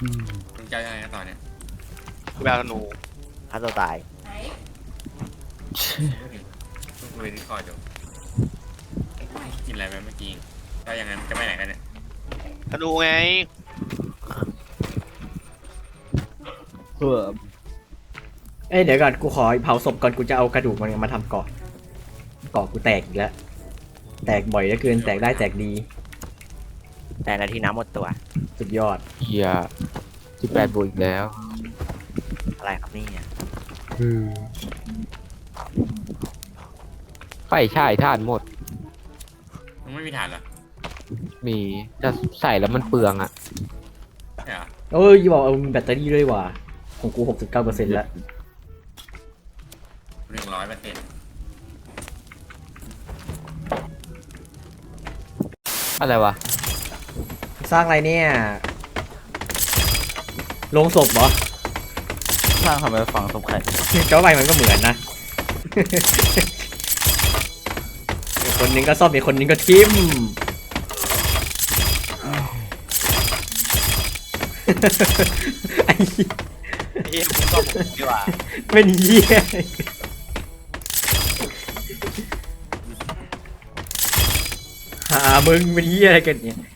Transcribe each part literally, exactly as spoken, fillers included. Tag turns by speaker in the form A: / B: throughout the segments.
A: มึงจะยังไงกันต่อเนี่ย
B: แววธนู
C: ฆ่าตัวตาย
A: มึงคุยที่คออยู่กินอะไรไปเมื่อกี้ถ้าอย่างนั้นจะไปไหนกันเนี่ย
B: ธนูไง
C: เพื่อ
D: เอ้ยเดี๋ยวก่อนกูขอเผาศพก่อนกูจะเอากระดูกมันมาทำเกาะเกาะกูแตกอีกแล้วแตกบ่อยเหลือเกินแตกได้แตกดี
C: แต่นาทีน้ำหมดตัว
D: สุดยอด
E: เฮียสิบแปดบวกอีกแล้ว
C: อะไรครับนี่เนี่ย
E: ไฟฉายถ่านหมด
A: มึงไม่มีฐานเหรอ
E: มีจะใส่แล้วมันเปลืองอ่ะ
A: ใช่เหรอ
D: เอ้ยบอกเอามีแบตเตอรี่ด้วยว่ะของกู หกสิบเก้าเปอร์เซ็นต์ แล้ว
A: หนึ่งร้อยเปอร์เซ็นต์
E: อะไรวะ
D: สร้างอะไรเนี่ยโลงศพเหรอ
C: สร้างทำไมฝังศพใคร
D: เจ้าใบมันก็เหมือนนะ อีกคนนึงก็ซ่อมอีกคนนึงก็ทิม ไอ้
B: เฮียมึงก็ผมดีกว่า
D: เป็นเหี้ยหามึงเป็นเหี้ยอะไรกันเนี่ย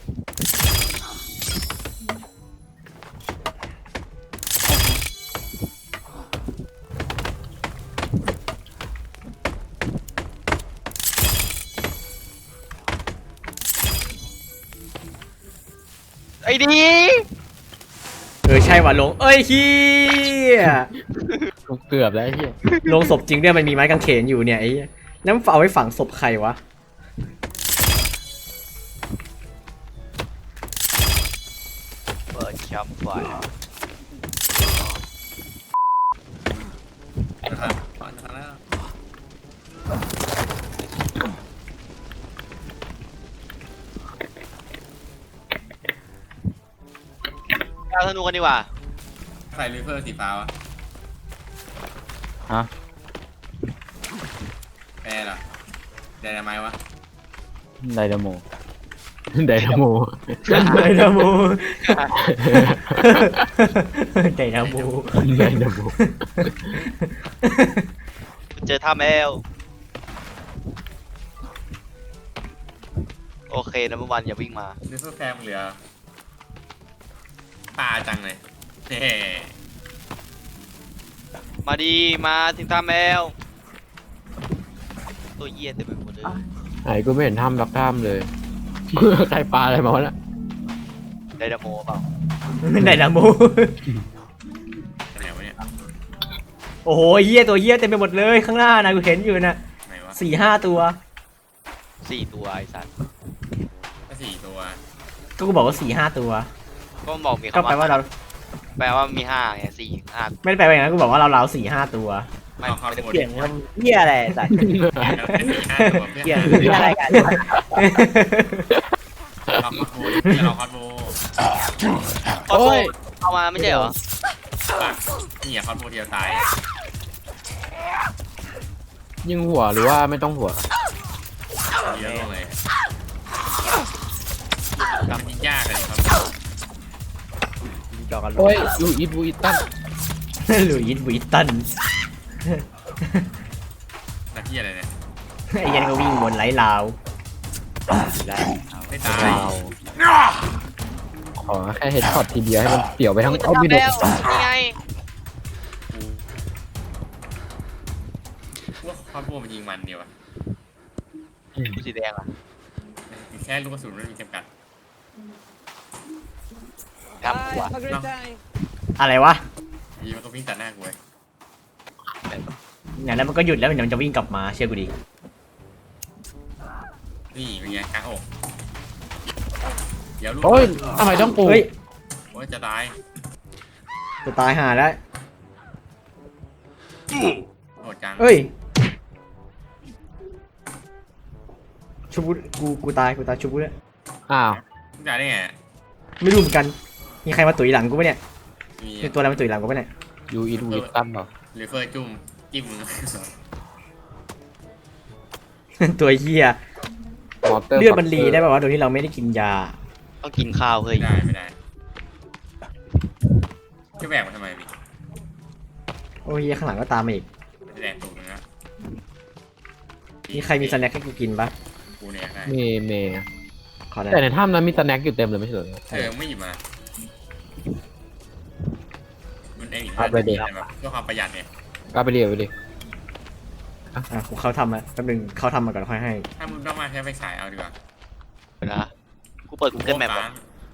B: ไอ้ดี
D: เออใช่ว่ะลงเอ้ยเฮีย
E: เกือบแล้วไอ้เฮีย
D: ลงศพจริงด้วยมันมีไม้กางเขนอยู่เนี่ยไอ้เหี้ยแล้วมันเอาไว้ฝังศพใครวะ
B: เปิดแคมป์ไฟ
A: นะครับก่อนนะครับ
B: แววธนูกันดีกว่า
A: ใส่ริเฟอร์สีฟ้าวะ
E: ฮะ
A: แปรเหรอแดนไม้วะ
E: ไดนาโมไดนาโม
D: ไดนาโมไดนาโม
E: ไดนาโม
B: เจอท่าแมวโอเคนะเมื่อวานอย่าวิ่งมา
A: ริเฟอร์แฟมเหลือปลาจังเลยเฮ้
B: มาดีมาถึงท่าแมวตัวเยี่ยเต็มไปหมดเลย
E: ไหนกูไม่เห็นถ้ำรักถ้ำเลย ใครปลาอะไรมาวะน่ะ
B: ไดนาโมเปล่า
D: ไดนาโม
A: ไหนวะเนี่ย
D: โอ้โหเหี้ยตัวเหี้ยเต็มไปหมดเลยข้างหน้านะกูเห็นอยู่นะ
A: ไหนวะ
D: สี่ห้าตัว
B: สี่ตัวไอ้สัตว์
A: ก็สี่ตัว
D: ก็กูบอกว่าสี่ห้าตัว
B: ก็บอกมี
D: ก็
B: คำ
D: แปลว่าเรา
B: แปลว่ามีห้าไงสี่ห้า
D: ไม่ได้แปลว่าอย่างนั้นกูบอกว่าเราเราสี่ห้าตัว
B: ไม่
A: เอาเข้า
B: ไม่ได้
A: หมด
C: เปลี่ยนมันเหี้ยอะไรสัตว์
A: สี่ห้าตัวเพื่
C: เปลี่ยน
A: อน
C: เหี้ยอะไรกัน
A: เราคอสโมเราคอสโม
B: โอ้ยเอามาไม่ใช่เหรอ
A: ปะนี่อะคอสโมเดียวตาย
E: ยิงหัวหรือว่าไม่ต้องหัว
A: เยอะเลยทำยิงยากเลยครับ
C: จอกัน
E: โอ้ยยูอีทบูอีตัน
D: หลุยส์วิตตัน
A: หน้าที่อะไรเนี่ย
D: ไอ้ยันก็วิ่งวนไล่ลาว
C: ได้
A: ไม่ตาย
E: ขอแค่เฮดช็อตทีเดียวให้มันเปี่ยวไปทั้ง
B: จะ
E: เอาไม่
B: ทำ
E: โด
B: แล้ว
E: น
B: นี่ไง
A: ว่าคอสโมมันยิงมันเดียวอะ
B: กูสีแดงอ่ะ
A: แค่ลูกกระสุนมันมีจำกัด
B: ทำหัว
A: เนาะ
D: อะไรวะ
A: ยีมันก็วิ่งตัดหน้ากูเลย
D: อย่างนั้นมันก็หยุดแล้วเดี๋ยวมันจะวิ่งกลับมาเชื่อกูดิ
A: นี่เป็นไงกลางอกเดี๋ยวลูก
E: โอ้ยทำไมต้องปู
D: เฮ้ย
A: โอ้ยจะตาย
D: จะตายห่าแล้ว
A: โหดจัง
D: เฮ้ยชุบกูกูกูตายกูตายชุบกูเนี่ย
E: อ้าว
A: มึงตายได้ไง
D: ไม่รู้เหมือนกันมีใครมาตุ๋ยหลังกูปะเนี่ย
A: มี
D: มีตัวอะไรมาตุ๋ยหลังกูปะเนี่ย
E: ยูอีทบูอีตันเหรอ
A: ริเฟอร์จุ่มจิ้มมึง
D: ตัวเหี้ย
E: มอเตอร์
D: เลือดมันรีได้ป่าวะโดยที่เราไม่ได้กินยา
B: ต้องกินข้าวเฮ้ย
A: ไม่ได้ไม่ได้แบกมาทำไมพี่
D: โอ้ยเหี้ยข้างหลังก็ตามมาอีก
A: มันจะแดกตูดมึงนะ
D: มีใครมีสแน็คให้กูกินปะ
A: กูเนี่ยได้
E: เมย์เมย์
D: ขอได้
E: แต่ในถ้ำนั้นมีสแน็คอยู่เต็มเลยไม่ใช่เหรอ
A: เออไม่หยิบมามันเองอีก
E: เอาไปดิ
A: แบบเพื่อความประหยัดเนี่ย
E: ก็ไปเรียไปดิ
D: อ่ะกูเข้าทำมาแป๊บนึงเข้าทำมาก่อนค่อยให้
A: ถ้ามึงต้องมาใช้ไฟฉายเอาดีกว่า
B: เวลากูเปิด Google Map
A: ค้า
B: อ่ะ
A: ง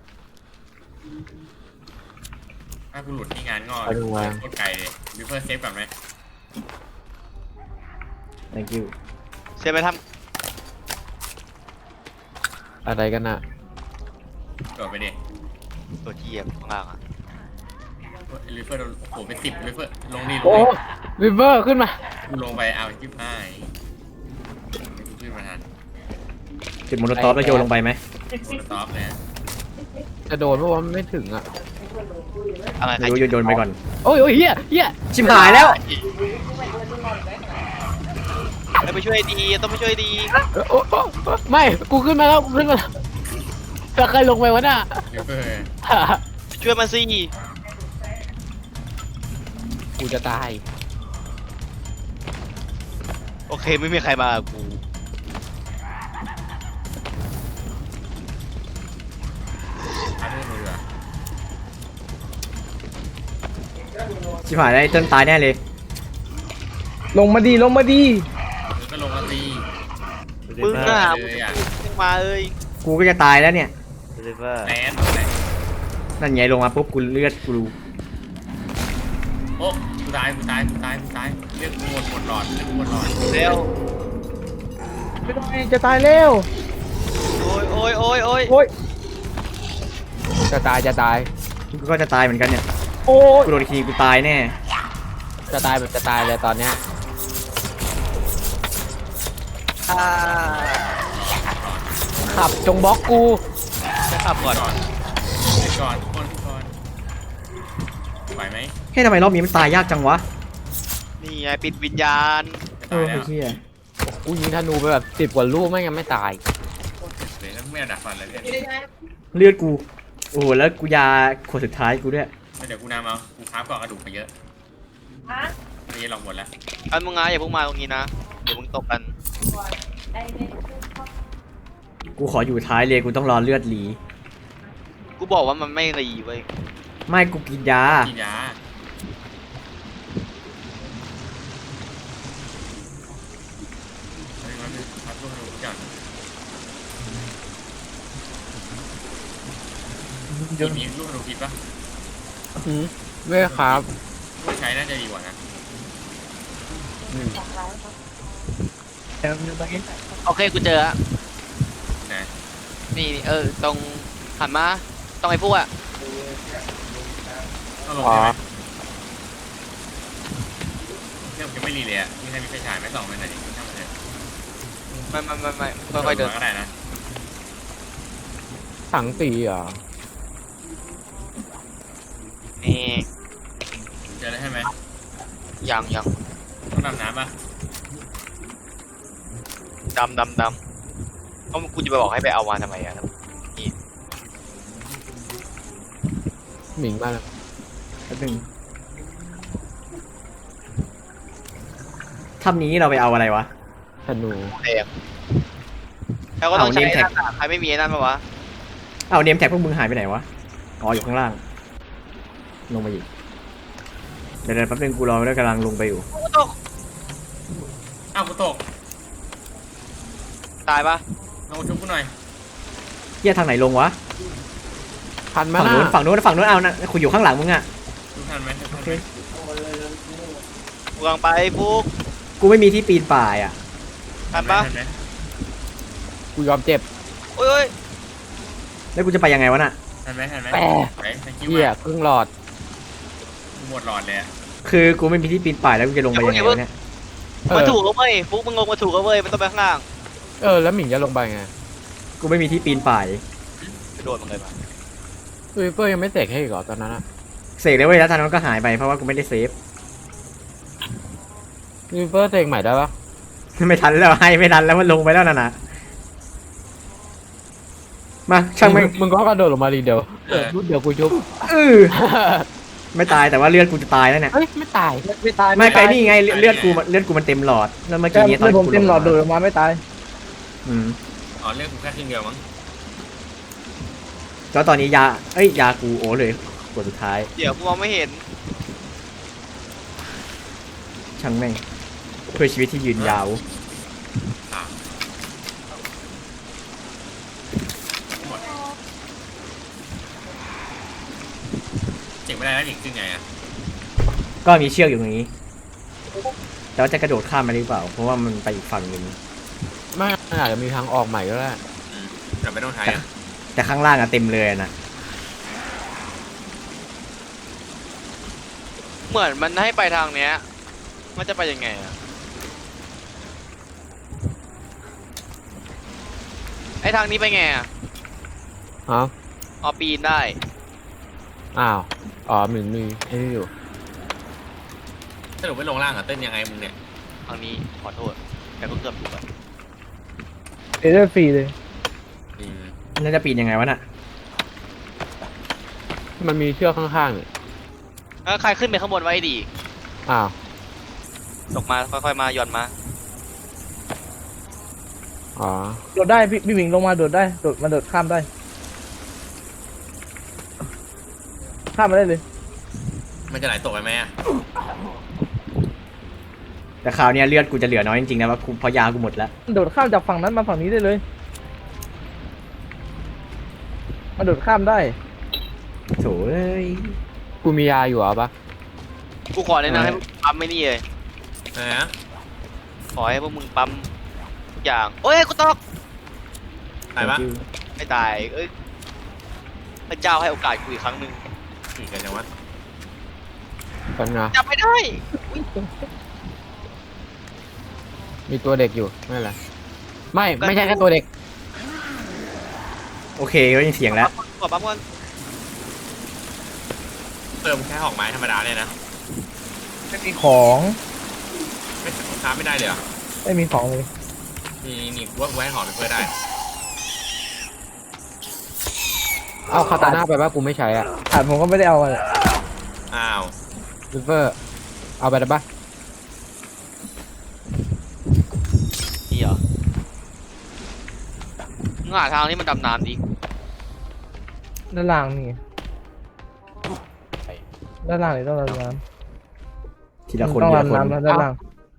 A: ถ้ากูหลุดที่งานงอ
E: ไปดูมา
A: โคตรไกลเลยวิเฟอร์เซฟก่อนไหม
D: thank you
B: เซฟไปท
E: อะไรกันน่ะ
A: โดดไปดิ
B: ำตัวที่ข้างล่างอ่ะ
A: วิเฟอร์โอ้โหเป็นสิบวิเฟอร์ลงนี่ล
E: โอ้
A: งนี่
E: วิเวอร์ขึ้นมา
A: กูลงไปเอาจิ้มให้กูขึ้นมาทัน
D: จุดโมโนตอฟแล้วโยนลงไปไหม
A: โดนท็อปเลย
E: จะโดนเพราะว่ามันไม่ถึงอ่ะ
B: อะไรใคร
D: ไม่รู้โยนโยนไปก่อน
E: โอ้ยโอ้ยเฮียเฮีย
D: ชิบหายแล้ว
B: ไม่ไปช่วยดีต้องไปช่วยดี
E: เออโอ้โอ้โอ้ไม่กูขึ้นมาแล้วกูขึ้นมาแล้วแต่ใครลงไปวะน่ะ
A: วิเฟอร์
B: ช่วยมาสิ
E: กูจะตาย
B: โอเคไม่มีใครมากับกู
A: เอาด้วยมืออะ
D: ชิบหายแล้วไอ้เติ้ลตายแน่เลย
E: ลงมาดีลงมาดี
A: มึงก็ลงมาตี
B: มึงอ่ะ
A: เลยอ่ะ
B: มึงมาเอ้ย
D: กูก็จะตายแล้วเนี่ย
C: ลิเวอร์
A: แลนด์เลย
D: นั่นไงลงมาปุ๊บกูเลือดกูรู้
A: โอ้กูตายกูตายกูตายกูตายเรียกกูหมดหมดหลอดเรียกกูหมดหลอด
B: เร็ว
E: ไม่ต้องจะตายเร็ว
B: โอ้ยโอ้ยโอ้ยโอ้ย
E: โอ้ยจะตายจะตาย
D: กูก็จะตายเหมือนกันเนี่ย
E: โอ้ย
D: กูโดนอีกทีกูตายแน่
E: จะตายแบบจะตายเลยตอนเนี้ย
B: อ่า
E: ขับจงบล็อกกู
B: จะขับก่อน
A: ก่อนเดี๋ยวก่อนทุกคนทุกคนไหวไหม
D: เฮ้ยทำไมรอบนี้มันตายยากจังวะ
B: นี่ไงปิดวิญญาณ
A: จะ
D: เอ
A: ตาย
D: อ
A: แล้
D: ไอ้
A: ว
D: เหี้ย
E: กูยิงธนูไปแบบสิบกว่าลูกไม่งั้นไม่ตาย
A: เดี๋ยวไม่เอาดักฟันเลยเนี่ย
D: เลือดกู โอ้โหแล้วกูยาขวดสุดท้ายกูด้วย
A: เดี๋ยวกูนำเอากูค้าบก่อนกระดูกไปเยอะไม่ได้ลองหมดแล้ว
B: อันมึงงาอย่าเพิ่งมาตรงนี้นะเดี๋ยวมึงตกกัน
D: กูขออยู่ท้ายเลยกูต้องรอเลือดหลี
B: กูบอกว่ามันไม่รีเว้ย
D: ไม่กูกินยา
A: กินยาเฮ้ยมันเป็นพัดลูกกระดูกก่อนมีมีลูกกระดูกผิดปะ
E: อืมไม่ครับ
A: ลูกใช้น่าจะดีกว่านะ
B: โอเคกูเจออะ
A: นะ
B: นี่นี่เออตรงหันมาตรงไอ้พวกอะ
A: ต้องลงใช่ไหมเรื่องยังไม่รีเลยอ่ะมีใครมีไฟฉายไหมส่องไปหน่อยดิช่างมันเถอะ
B: ไม่ไม่ไม่ไม่ค่อยๆเดิน
A: ก็ได้นะ
E: ถังสีเหรอ
B: นี่
A: เจอแล้วใช่ไหม
B: ยังยัง
A: ต้องดำน้ำป่ะ
B: ดำดำดำเพราะกูจะไปบอกให้ไปเอามาทำไมอะ
E: หมิงมาแล้ว
D: แป๊บนึงถ้ำนี้เราไปเอาอะไรวะ
E: ธนู
B: แดงแล้วก็ต้อง
D: เอา
B: ใช้
D: name tag
B: นั่นอะใครไม่มีไอ้นั่นปะวะ
D: เอาเนมแท็กพวกมึงหายไปไหนวะ อ๋ออยู่ข้างล่าง ลงมาอีก เดี๋ยวเดี๋ยวแป๊บนึงกูรอด้วยกำลังลงไปอยู่
B: กูตก
A: อ้าวกูตก
B: ตายปะ
A: ลงมาชุบกูหน่อย
D: เหี้ยทางไหนลงวะ
E: พันมา
D: ฝั่ง
E: หน้า
D: นู้นฝั่งนู้นฝั่งนู้นเอานะกูอยู่ข้างหลังมึงอะ
A: ชุบทันไหมชุบทัน
D: โอ
A: ไห
D: เค
A: ม
B: กูกำลังไปฟุก
D: กูไม่มีที่ปีนป่ายอะ
B: ทันปะ
A: ทันไหม
E: กูยอมเจ็บ
B: โอ้ยโอ้ย
D: แล้วกูจะไปยังไงวะน่ะ
A: ทันไหมทันไหม
E: แปะ
A: ไปไปคิว
E: เหี้ย
A: อ่ะ
E: ครึ่งหลอด
A: กูหมดหลอดเลยอะ
D: คือกูไม่มีที่ปีนป่ายแล้วกูจะลงไปยังไงวะเนี่ย
E: เอ
B: มา
E: อ
B: ถูกแล้วเว้ยฟุกมึงลงมาถูกแล้วเว้ยมันต้องไปข้างล่าง
E: เออแล้วหมิงจะลงไปไง
D: กูไม่มีที่ปีนป่าย
B: ไปโดนมันเลยปะ
E: วิเปอร์ยังไม่เสกให้อีกเหรอตอนนั้นอะ
D: เสกเลยเว้ยแล้วทางนั้นก็หายไปเพราะว่ากูไม่ได้เซฟ
E: วิเปอร์เสกใหม่ได้ปะ
D: ไม่ทันแล้วให้ไม่ทันแล้วมันลงไปแล้วน่ะนะมาช่างไม่
E: มึงก็กระโดดลงมาดีเดียวเออรุดเดี๋ยวกูชุบ
D: เออไม่ตายแต่ว่าเลือดกูจะตายแล้วเนี่ย
E: เฮ้ยไม่ตาย
F: ไม่ตาย
D: ไม่ไกล
F: ตาย
D: นี่ไงเลือดเลือดกูมันเลือดกูมันเต็มหลอดแล้วเมื่อ
F: ใช่
D: กี้นี้ตอน
F: เลือดผม
D: กู
F: เต็มหลอดโดด
D: ง
F: ออกมาไม่ตาย
D: อืม
A: อ๋อเรื่องกูแค่ครึ่งเดียวมั้ง
D: แล้วตอนนี้ยาเอ้ยยากูโอ้เลยกดสุดท้าย
B: เดี๋ยวกูมองไม่เห็น
D: ช่างแม่งเพื่อชีวิตที่ยืนยาว
A: อ่ะหมดเจ๋งไม่ได้แล้วอีกซึ่งไงอ่ะ
D: ก็มีเชือกอยู่ตรงนี้แต่ว่าจะกระโดดข้ามมาหรือเปล่า เพราะว่ามันไปอีกฝั่งหนึ่ง
E: ไม่อาจจะมีทางออกใหม่ก็ได้
A: อืมแต่ไม่ต้องใช้อ่ะ
D: แต่ข้างล่างอะเต็มเลยอะนะ
B: เหมือนมันให้ไปทางเนี้ย มันจะไปยังไงอะไอทางนี้ไปไงอะ
E: เอ้า
B: อ๋อปีนได้
E: อ้าวอ๋อมันมีไอ้นี่อยู่
A: สรุปไม่ลงล่างอ่ะเต้นยังไงมึงเนี่ย
B: ทางนี้ขอโทษ แต่ก็เกือบถูกอะ
F: เอเดอร์ฟรีเลย
A: อืม
D: น่าจะปีนยังไงวะน่ะ
E: มันมีเชือกข้างๆเนี่ย
B: แล้วใครขึ้นไปข้างบนไว้ดี
E: อ้าว
B: ตกมาค่อยๆมาหย่อนมา
E: อ๋อ
F: โดดได้พี่พี่หมิงลงมาโดดได้โดดมาโดดข้ามได้ข้ามมาได้เลย
A: มันจะไหลตกไปไหมอ่ะ
D: แต่คราวเนี้ยเลือดกูจะเหลือน้อยจริงๆนะว่ากูเพราะยากูหมดแล้ว
F: โดดข้ามจากฝั่งนั้นมาฝั่งนี้ได้เลยมาโดดข้ามได้
D: โถ่เอ้ย
E: กูมียาอยู่เหรอปะ
B: กูขอแนะนำให้พวกมึงปั๊มไม่นี่เลย
A: อะไรนะ
B: ขอให้พวกมึงปั๊มทุกอย่าง โอ้ยกูตก
A: ตายปะ
B: ไม่ตาย เอ้ย พระเจ้าให้โอกาสกูอีกครั้งหนึ่ง
A: อีกกันจังวะ
E: กันนะ
B: จับไม่ได้
E: มีตัวเด็กอยู่ไม่เป็นไรไม่ไม่ใช่แค่ตัวเด็ก
D: โอเคก็ยังเสียงแล้ว
B: ขอปั๊มก่อน
A: เติมแค่หอกไม้ธรรมดาเลยนะ
F: ไม่มีของ
A: ไม่ค้าไม่ได้เลยเหรอ
F: ไม่มีของเลย
A: นี่นี่กูว่ากูให้หอกไปเพื่อได้
E: เอาคาตาน่าไปปะกูไม่ใช้อ่ะ
F: ขาดผมก็ไม่ได้เอามาเลย
A: อ้าว
E: ริเวอร์เอาไปได้ปะ
B: นี่เหรอมึงหาทางที่มันดำน้ำดิ
F: ด้านล่างนี่ด้านล่างนี่ต้องดำน้
D: ที
F: ำ
D: ละคน
F: ต้อง
D: ทีละคน
F: ดำน้ำแล้วด้านล่าง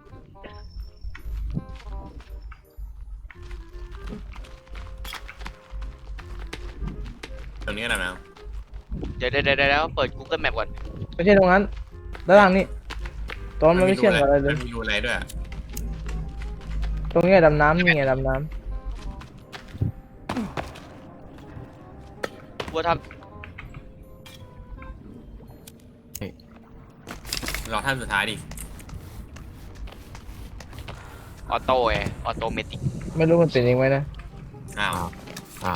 A: ตรงนี้ก็ได้นะ
B: เดี๋ยวเดี๋ยวเดี๋ยวเดี๋ยวเปิด Google Map ก่อน
F: ไม่ใช่ตรงนั้นด้านล่างนี่ตอนมันไม่เชื่อมกับอะไรเลย
A: มันมีรูอะไรด้วยอะ
F: ตรงนี้ไงดำน้ำนี่ไงดำน้
B: กูว่าท
A: รอท่านสุดท้ายดิ
B: ำออโต้ไงออโตเมติก
F: ำไม่รู้มันเป็นยังไงนะ
A: อ้าว
E: อ้าว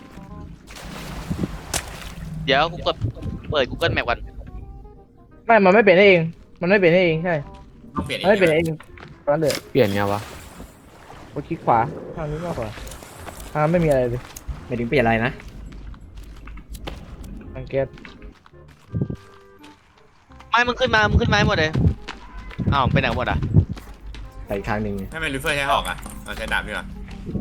B: เดี๋ยวกูเปิดเปิด Google Map ก่อน
F: ไม่มันไม่เป็นได้เอง มันไม่เป็นได้เองใช่
A: ต้องเปลี่ยนอี
F: มันไม่เป็นได้
A: ก
F: เองตอนนั้นเลย
E: เปลี่ยนไงวะ
F: กดคลิกขวาทางนี้มากกว่าทางไม่มีอะไรเลย
D: ไม่ถึงเปลี่ยนอะไรนะ
F: ทางแก๊ส
B: ไม่มึงขึ้นมา มึงขึ้นมาให้หมดเลย อ้าวไปไหนหมดอ่ะ
D: ไปอีกทางหนึ่ง
A: ถ้าเป็นลูเฟอร์ใช้หอกอ่ะเอาใช้ดาบดีกว่า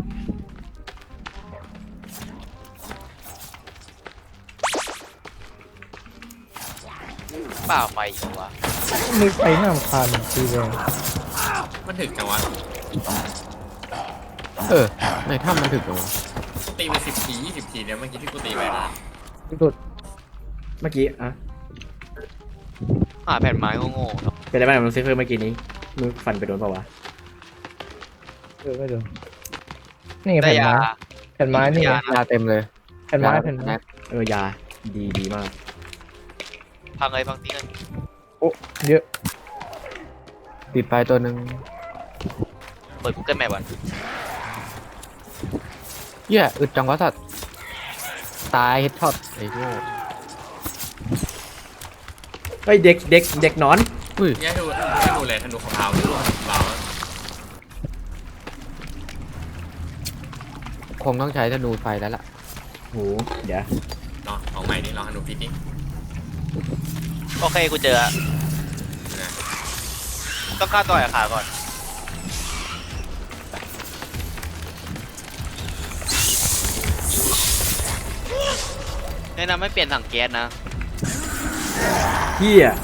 B: เปล่าไปอีกวะ
F: มือไฟหน้าคานตีแรง
A: มันถึกจังวะ
E: เออในถ้ำมันถึกตรง
A: ตีไปสิบทียี่สิบทีเนี่ยเมื่อกี้ที่กูตีไปนะ
F: ที่สุด
D: เมื่อกี้อะ
B: หาแผ่นไม้โง่ๆเนาะ
D: เป็นอะไรบ้างกับลูซิเฟอร์เมื่อกี้นี้มือฟันไปโดนเปล่าวะ
F: เออไม่โดนนี่ไง
B: ได้
F: แผ่น
B: ยา
F: ไม้แผ่นไม้นี่ไง
B: ยา
E: ยาเต็มเลย
F: แผ่นไม้
E: ยา
F: แผ่นไม้
D: เออยาดีดีมาก
B: พังเลยพังตีกัน
F: โอ้เยอะ
E: ปิดไปตัวหนึ่ง
B: เปิด Google Map ก่อน
E: เหี้ยอึดจังวะสัตว์ตายเฮดช็อตไอ้โง่
D: เฮ้ยเด็กเด็กเด็กหนอน
E: อุ้ย
A: เนี่ยดูให้ดูเลยธนูของเราดูของเรา
E: คงต้องใช้ธนูไฟแล้วล่ะ
D: โหเดี๋ยว
A: เนาะของใหม่นี่ลองธนูพิษดิ
B: โอเคกูเจอละ
A: นะ
B: ต้องฆ่าต่อยขาก่อนแนะนำไม่เปลี่ยนถังแก๊สนะ
D: เฮีย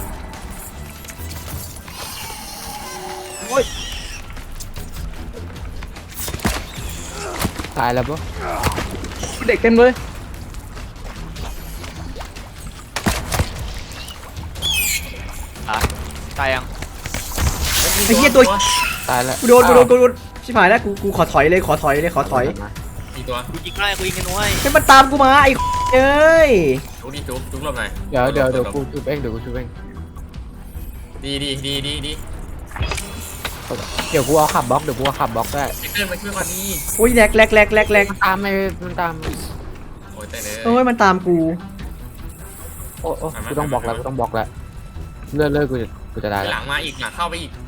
E: ตายแล้วปะ
F: เด็กเต็มเลย
B: อ่ะตายยัง
D: ไอ้เฮียตัว
E: ตายแล้ว
D: กูโดนกูโดนกูโดนชิบหายแล้วกูกูขอถอยเลยขอถอยเลยขอถอย
A: อีกตัว
B: กูยิงได้กูยิงกันด้วย
D: ให้มันตามกูมาไอ้เอ้ย
A: จุกดิจุกจุกหลบหน่อย
E: เดี๋ยวเดี๋ยวเดี๋ยวกูชุบเองเดี๋ยวกูชุบเอง
A: ดีดีดีดีดี
E: เดี๋ยวกูเอาขับบล็อกเดี๋ยวกูเอาขับบล็อกได้
A: ไอ้เกินมาช่วยก่อนนี่
D: โอ้ยแหลกแหลกแหลกแหลกแหลก
E: มันตามไม่มันตาม
A: โอ้ยแต่เลย
D: โอ้ยมันตามกู
E: โอ้โอ้กูต้องบล็อกแล้วกูต้องบล็อกแล้วเลื่อนเลื่อนกูจะกูจะได้
A: ห
E: แล้ว
A: ลังมาอีกหลังเข้าไปอีก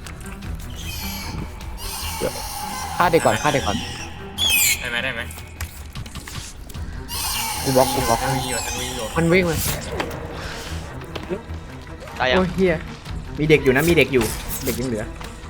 E: ฆ่าเด็กก่อนฆ่าเด็กก่อน
A: ได้ไหมได้ไหม
E: กูบล็อกกูบล็อก
A: ทันวีอยู่ทันวีอยู่
E: มันวิ่งเลย
B: ตายยัง
D: โอ้ยเฮียมีเด็กอยู่นะมีเด็กอยู่เด็กยังเหลือ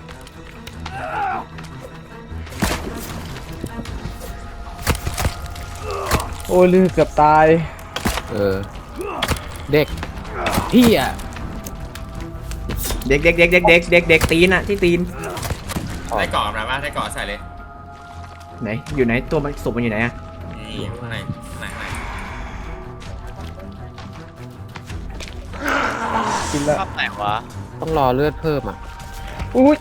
F: โอ้ยลือเกือบตาย
E: เออเด็กพี่อ่ะ
D: เด็กเด็กเด็กเด็กเด็กเด็กเด็กตีนอะที่ตีน
A: ได้เกาะอะไรบ้างได้เกาะใส่เลย
D: ไหนอยู่ไหนตัวมันศพมันอยู่ไหนอะ
A: นี่อยู่ข้างในข้างในข้างใน
F: กินแล้ว
B: ภาพไหนวะ
E: ต้องรอเลือดเพิ่มอ่ะ
F: อุ้ย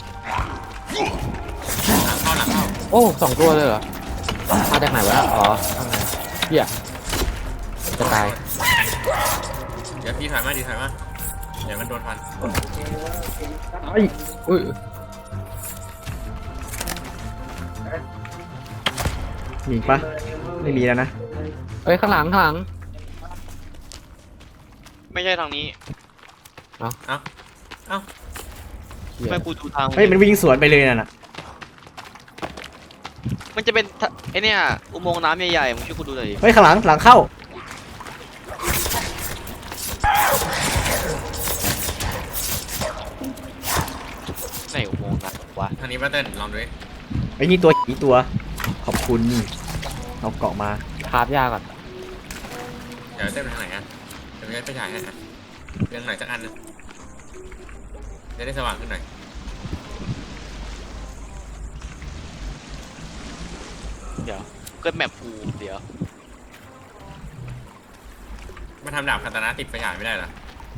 A: หลังเข้าหลังเข้า
E: โอ้สองตัวเลยเหรอมาจากไหนวะอ๋อข้างในเหี้ยจะตาย
A: เดี๋ยวพี่ถอยมาดีถอยมาเดี๋ยวมันโดนฟัน
F: ไอ้
E: อุ้ย
D: มีอีกปะไม่มีแล้วนะ
E: เอ้ยข้างหลังข้างหลัง
B: ไม่ใช่ทางนี้
A: เอ้า
E: เหี้ย
B: ไม่กูดูทาง
D: เฮ้ยมันวิ่งสวนไปเลยน่ะนะ
B: มันจะเป็นทะไอเนี่ยอุโมงค์น้ำใหญ่ๆมึงช่วยกูดูหน่อยดิ
D: เฮ้ยข้างหลังหลังเข้า
B: ไหนอุโมงค์น้ำวะ
A: ทางนี้มาเต้นลองดูดิ
D: ไอ้นี่ตัวอีตัวขอบคุณเอาเกาะมา
E: คาบยาก่อน
A: เดี๋ยวเต้นไปทางไหนอ่ะเดี๋ยวไปฉายให้อ่ะเรื่องไหนสักอันนึงจะได้สว่างขึ้นหน่อย
B: เดี๋ยวเกิดแมปกูเดี๋ยว
A: มันทำดาบคาตานะติดไฟฉายไม่ได้เหรอ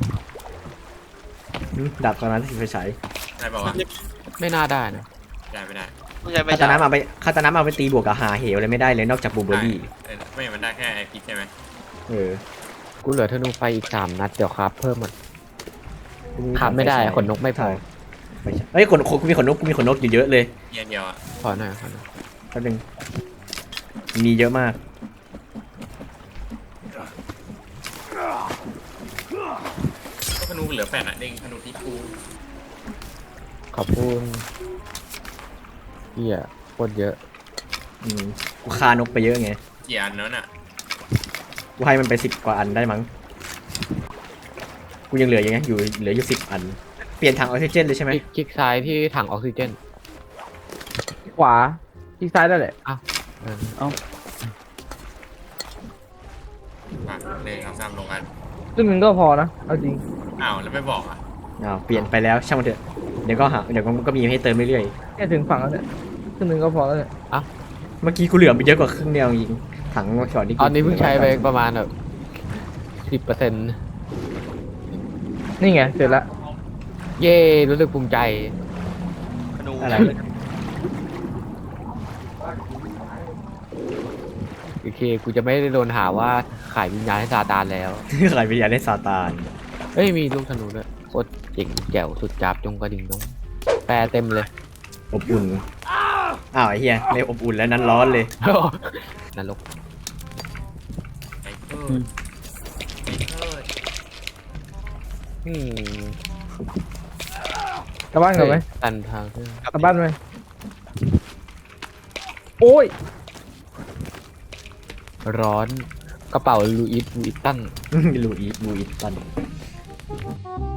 D: หืมดาบตอนนั้นที่ไฟฉาย
A: ได้ป่าวะ
E: ไม่น่าได้นะ
A: ได้ไม่ได้
B: ต้องใช้ไป
D: คาตานะมาไปคาตานะมาไปตีบวกกับหาเหวอะไรไม่ได้เลยนอกจากบูเบอรี่
A: เออไม่มันได้แค่ไอพิษใช่ไหม
D: เออ
E: กูเหลือธนูไฟอีกสามนัดเดี๋ยวคาบเพิ่มมันคาบไม่ได้ขนนกไม่พอ
D: ไฟฉายเฮ้ยขนขนกูมีขนนกกูมีขนนกอยู่เยอะเลย
A: เยียนเดียวอ่ะ
E: ขอหน่อยขอหน่อย
D: แป๊บนึงมีเยอะมาก
A: ก็ธนูเหลือแปดอ่ะเด้งธนูที่กู
E: ขอบคุณเหี้ยโคตรเยอะ
D: อืมกูฆ่านกไปเยอะไง
A: กี่อันนั้นอ่ะ
D: กูให้มันไปสิบกว่าอันได้มั้งกูยังเหลืออย่างเงี้ยอยู่เหลืออยู่สิบอันเปลี่ยนถังออกซิเจนเลยใช่ไหม
E: คลิกคลิกซ้ายที่ถังออกซิเจน
F: ขวาที่ซ้ายได้แหละ
E: เออ
A: ปะหนึ่งสองสามลงกัน
F: ซึ่งหนึ่งก็พอนะเอาจริง
A: อ้าวแล้วไม่บอกอ่ะ
D: อ้าวเปลี่ยนไปแล้วช่างมันเถอะเดี๋ยวก็หาเดี๋ยวมันก็มีให้เติมเรื่อย
F: แค่ถึงฝั่งแล้วเนี่ยซึ่งหนึ่งก็พอแล้วเนี่ย
D: ๆเมื่อกี้กูเหลือไปเยอะกว่าครึ่งเดียวจริงถังก่อนที่กู
E: ตอนนี้เพิ่งใช้ไปประมาณแบบสิบเปอร์เซ็นต์
F: นี่ไงเสร็จแล้ว
E: เย่รู้สึกภูมิใจ
B: ธนู
D: อะไร
E: โอเคกูจะไม่ได้โดนหาว่าขายวิญญาณให้ซาตานแล้ว
D: ใครไปอยากได้ซาตาน
E: เอ้ยมีลูกธนูด้วยโคตรเจ๋งแจ๋วสุดจับจงกระดิ่งน้องแปรเต็มเลย
D: อบอุ่นอ้าวไอ้เหี้ยไม่อบอุ่นแล้วนั้นร้อนเลย
E: นรก
A: ไอ้เกิดไอ้เกิด
E: อืม
F: กลับบ้านก่อนไหม
E: ตันทางขึ้น
F: กลับบ้านไหมโอ้ย
E: ร้อนกระเป๋าลูอิสลูอิสตัน
D: ลูอีลูอีตัน
A: ะ